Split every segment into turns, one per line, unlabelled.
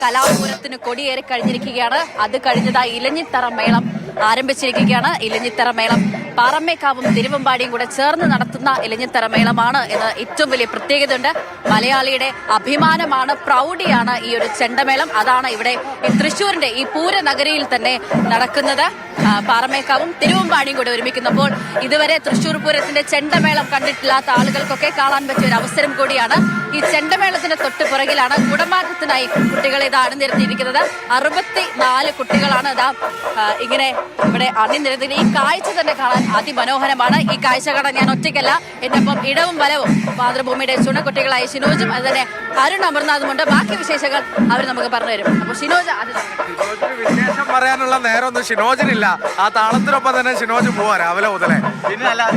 കലാപൂരത്തിന് കൊടിയേറി കഴിഞ്ഞിരിക്കുകയാണ്. അത് കഴിഞ്ഞതായി ഇലഞ്ഞിത്തറ മേളം ആരംഭിച്ചിരിക്കുകയാണ്. ഇലഞ്ഞിത്തറ മേളം പാറമേക്കാവും തിരുവമ്പാടിയും കൂടെ ചേർന്ന് നടത്തുന്ന ഇലഞ്ഞിത്തറ മേളമാണ് എന്ന് ഏറ്റവും വലിയ പ്രത്യേകതയുണ്ട്. മലയാളിയുടെ അഭിമാനമാണ്, പ്രൗഢിയാണ് ഈ ഒരു ചെണ്ടമേളം. അതാണ് ഇവിടെ തൃശ്ശൂരിന്റെ ഈ പൂരനഗരിയിൽ തന്നെ നടക്കുന്നത്. പാറമേക്കാവും തിരുവമ്പാടിയും കൂടെ ഒരുമിക്കുന്നപ്പോൾ ഇതുവരെ തൃശ്ശൂർ പൂരത്തിന്റെ ചെണ്ടമേളം കണ്ടിട്ടില്ലാത്ത ആളുകൾക്കൊക്കെ കാണാൻ പറ്റിയ ഒരു അവസരം കൂടിയാണ്. ഈ ചെണ്ടമേളത്തിന്റെ തൊട്ട് പുറകിലാണ് കുടമാറ്റത്തിനായി കുട്ടികളെ ഇത് അണിനിരത്തിയിരിക്കുന്നത്. 64 കുട്ടികളാണ് ഇതാ ഇങ്ങനെ ഇവിടെ അണിനിരത്തി. ഈ കാഴ്ച തന്നെ കാണാൻ അതിമനോഹരമാണ്. ഈ കാഴ്ച കാണാൻ ഞാൻ ഒറ്റയ്ക്കല്ല, എന്നൊപ്പം ഇടവും വലവും മാതൃഭൂമിയുടെ ചുണക്കുട്ടികളായ ഷിനോജും അതുതന്നെ അരുൺ അമർനാഥുമുണ്ട്. ബാക്കി വിശേഷങ്ങൾ അവർ നമുക്ക് പറഞ്ഞു തരും. അപ്പോൾ ഷിനോജ്
വിശേഷം പറയാനുള്ള നേരമൊന്നും ഷിനോജിനില്ല. ആ താളത്തിനൊപ്പം തന്നെ ഷിനോജ് പോവാ രാവിലെ മുതലേ.
പിന്നെ അല്ലാതെ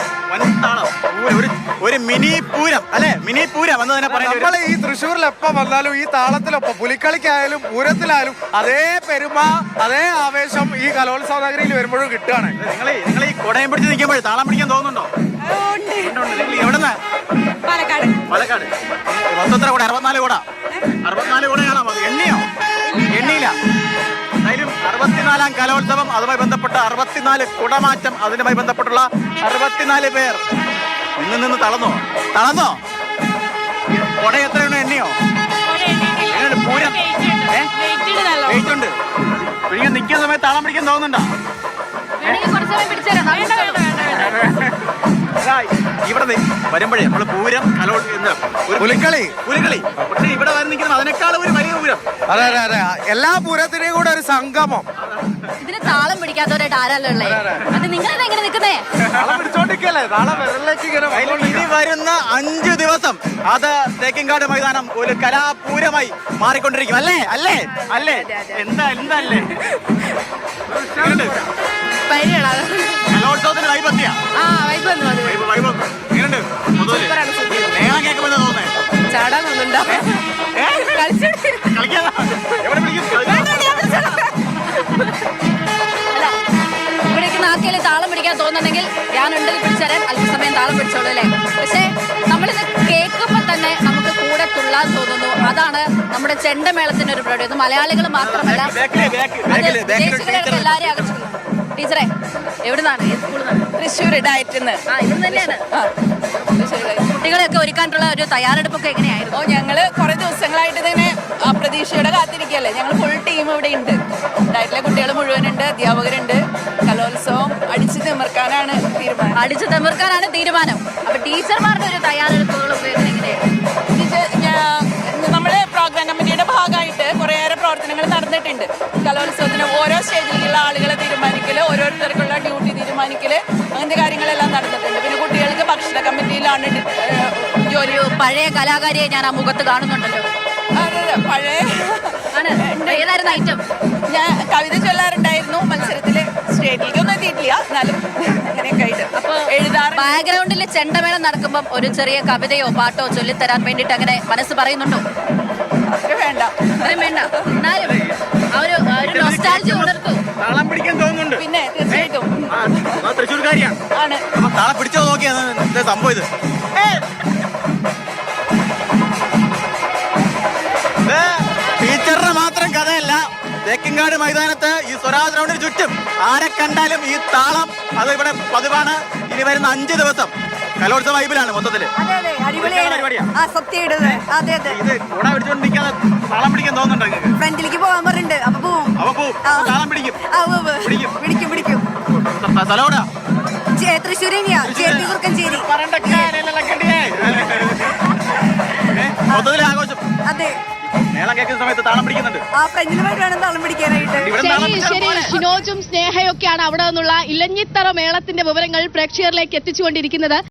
ഒരു മിനി പൂരം അല്ലെ, മിനി പൂരം എന്ന് തന്നെ പറയാം.
നമ്മള് ഈ തൃശ്ശൂരിൽ എപ്പം വന്നാലും ഈ താളത്തിലൊപ്പം പുലിക്കളിക്കായാലും പൂരത്തിലായാലും അതേ പെരുമ, അതേ ആവേശം ഈ കലോത്സവ നഗരിയിൽ വരുമ്പോഴും കിട്ടുകയാണ്.
നിങ്ങൾ ഈ കൊടയം പിടിച്ച് നിൽക്കുമ്പോൾ താളം പിടിക്കാൻ തോന്നുന്നുണ്ടോ? എവിടെന്നാ? പാലക്കാട്. മൊത്തത്ര കൂടെ 64 കൂടാ. 64 കൂടെയാണോ? എണ്ണിയോ? എണ്ണിയില്ല. എന്തായാലും 64ാം കലോത്സവം, അതുമായി ബന്ധപ്പെട്ട 64 കുടമാറ്റം, അതിനുമായി ബന്ധപ്പെട്ടുള്ള 64 പേർ നിന്ന് തളർന്നോ? കുട എത്രയുണ്ടോ? എണ്ണിയോ? പൂരം വെയിറ്റ് ഉണ്ട്. പിടിക്കാൻ നിൽക്കുന്ന സമയത്ത് താളം പിടിക്കാൻ തോന്നുന്നുണ്ടോ? ഇവിടെ വരുമ്പോഴേ നമ്മള് പൂരം പുലിക്കളി പക്ഷെ ഇവിടെ വന്ന് നിൽക്കുന്നത് അതിനേക്കാളും ഒരു വലിയ പൂരം.
അതെ, എല്ലാ പൂരത്തിനെയും കൂടെ ഒരു സംഗമം.
ഇതിന് താളം പിടിക്കാത്തവരായിട്ട് ആരല്ലോ ഉള്ളത്? അത് നിങ്ങളെന്താ ഇങ്ങനെ നിൽക്കുന്നേ?
ഇനി വരുന്ന 5 ദിവസം അത് തേക്കിൻകാട് മൈതാനം ഒരു കലാപൂരമായി മാറിക്കൊണ്ടിരിക്കും. അല്ലേ? എന്തല്ലേ കലോത്സവത്തിന് വൈബത്തിയാ. മേളം കേൾക്കുമ്പോൾ തോന്നേ
ചാടാൻ തോന്നുന്നുണ്ടോ? ഇവിടേക്ക് നാക്കയില് താളം പിടിക്കാൻ തോന്നുന്നെങ്കിൽ ഞാനുണ്ടെങ്കിൽ പിടിച്ചേരാൻ അല്പസമയം താളം പിടിച്ചോളൂ അല്ലേ? പക്ഷേ നമ്മളിത് കേൾക്കുമ്പോൾ തന്നെ നമുക്ക് കൂടെ തുള്ളാൻ തോന്നുന്നു. അതാണ് നമ്മുടെ ചെണ്ടമേളത്തിന്റെ ഒരു പ്രൗഢി. മലയാളികൾ മാത്രമല്ല, എല്ലാവരെയും ആകർഷിക്കുന്നു. ടീച്ചറെ എവിടുന്നാണ്? ഏത് സ്കൂളിൽ നിന്നാണ്?
തൃശ്ശൂർ ഡയറ്റിന്ന്.
ഇവിടുന്ന് തന്നെയാണ്. കുട്ടികളെയൊക്കെ ഒരുക്കാനുള്ള ഒരു തയ്യാറെടുപ്പൊക്കെ എങ്ങനെയായിരുന്നു?
ഞങ്ങൾ കുറെ ദിവസങ്ങളായിട്ട് ഇതിങ്ങനെ പ്രതീക്ഷയോടെ കാത്തിരിക്കുകയല്ലേ. ഞങ്ങൾ ഫുൾ ടീം ഇവിടെ ഉണ്ട്. ഡയറ്റിലെ കുട്ടികൾ മുഴുവനുണ്ട്, അധ്യാപകരുണ്ട്. കലോത്സവം അടിച്ചു തിമിർക്കാനാണ്
തീരുമാനം. അപ്പൊ ടീച്ചർമാരുടെ ഒരു തയ്യാറെടുപ്പുകളൊക്കെ എങ്ങനെയായിരുന്നു?
നമ്മുടെ പ്രോഗ്രാം കമ്മിറ്റിയുടെ ഭാഗമായിട്ട് കുറേയേറെ പ്രവർത്തനങ്ങൾ നടന്നിട്ടുണ്ട്. കലോത്സവത്തിന് ഓരോ സ്റ്റേജിലുള്ള ആളുകളെ തീരുമാനിക്കല്, ഓരോരുത്തർക്കുള്ള ഡ്യൂട്ടി തീരുമാനിക്കല്, അങ്ങനത്തെ കാര്യങ്ങളെല്ലാം നടന്നിട്ടുണ്ട്. പിന്നെ കുട്ടികൾക്ക് ഭക്ഷണ കമ്മിറ്റിയിലാണ് ജോലി.
പഴയ കലാകാരിയെ ഞാൻ ആ മുഖത്ത് കാണുന്നുണ്ടല്ലോ.
അതെ, പഴയ
ഏതായിരുന്നു ഐറ്റം?
ഞാൻ കവിത ചൊല്ലാറുണ്ടായിരുന്നു മത്സരത്തില്. സ്റ്റേറ്റിലേക്കൊന്നും എത്തിയിട്ടില്ല, എന്നാലും അങ്ങനെയൊക്കെ ആയിട്ട്. അപ്പൊ എഴുതാറ്.
ബാക്ക്ഗ്രൗണ്ടിൽ ചെണ്ടമേളം നടക്കുമ്പോൾ ഒരു ചെറിയ കവിതയോ പാട്ടോ ചൊല്ലിത്തരാൻ വേണ്ടിട്ട് അങ്ങനെ മനസ്സ് പറയുന്നുണ്ടോ?
അത്രയും വേണ്ട.
എന്നാലും ഒരു നൊസ്റ്റാൾജി ഉണർത്തൂ.
താളം പിടിക്കാൻ തോന്നുന്നുണ്ട്.
പിന്നെ തീർച്ചയായിട്ടും
തൃശ്ശൂർക്കാരിയാണ്
ആണ്.
അപ്പൊ താളം പിടിച്ചോ നോക്കിയാണ് സംഭവം ഇത്. ടീച്ചറുടെ മാത്രം കഥയല്ല. തേക്കിൻകാട് മൈതാനത്ത് ഈ സ്വരാജ് ഗ്രൗണ്ടിന് ചുറ്റും ആരെ കണ്ടാലും ഈ താളം അത് ഇവിടെ പതിവാണ്. ഇനി വരുന്ന 5 ദിവസം കലോത്സവ വൈബിലാണ് മൊത്തത്തില്. ഇത് കൂടെ പിടിച്ചോണ്ട് നിൽക്കാതെ താളം പിടിക്കാൻ തോന്നുന്നുണ്ടോ നിങ്ങൾക്ക്?
ഫ്രണ്ടിലേക്ക് പോകാൻ പറഞ്ഞിട്ടുണ്ട്. അപ്പൊ പോവും.
താളം പിടിക്കും. സ്ഥലോടാ
തൃശ്ശൂർ
മൊത്തത്തില് ആഘോഷം.
അതെ,
മേളം കേൾക്കുന്ന സമയത്ത് താളം പിടിക്കുന്നുണ്ട്.
ആ ഫ്രണ്ടിലുമായിട്ട് വേണം താളം പിടിക്കാനായിട്ട്.
ശരി, ഷിനോജും സ്നേഹയൊക്കെയാണ് അവിടെ നിന്നുള്ള ഇലഞ്ഞിത്തറ മേളത്തിന്റെ വിവരങ്ങൾ പ്രേക്ഷകരിലേക്ക് എത്തിച്ചുകൊണ്ടിരിക്കുന്നത്.